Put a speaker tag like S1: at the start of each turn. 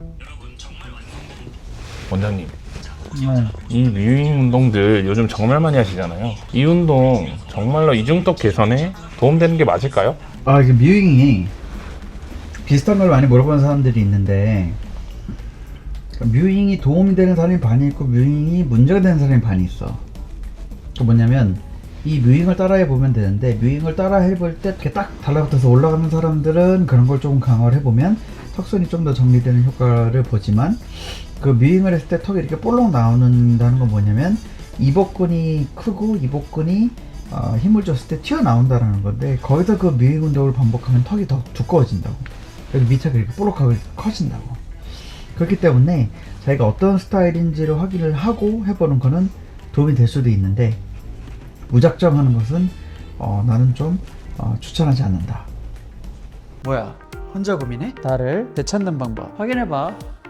S1: 원장님,
S2: 네.
S1: 이 뮤잉 운동들 요즘 정말 많이 하시잖아요. 이 운동 정말로 이중턱 개선에 도움되는 게 맞을까요?
S2: 이게 뮤잉이 비슷한 걸 많이 물어보는 사람들이 있는데, 뮤잉이 도움이 되는 사람이 반이 있고 뮤잉이 문제가 되는 사람이 반이 있어. 그 뭐냐면 이 뮤잉을 따라해 보면 되는데, 뮤잉을 따라해 볼 때 이렇게 딱 달라붙어서 올라가는 사람들은 그런 걸 조금 강화를 해보면 턱선이 좀 더 정리되는 효과를 보지만, 그 뮤잉을 했을 때 턱이 이렇게 볼록 나오는다는 건 뭐냐면 이복근이 크고 이복근이 힘을 줬을 때 튀어나온다는 건데, 거기서 그 뮤잉 운동을 반복하면 턱이 더 두꺼워진다고. 여기 밑에가 이렇게 볼록하게 커진다고. 그렇기 때문에 자기가 어떤 스타일인지를 확인을 하고 해보는 거는 도움이 될 수도 있는데, 무작정 하는 것은 나는 좀 추천하지 않는다.
S3: 뭐야, 혼자 고민해? 나를 되찾는 방법 확인해봐.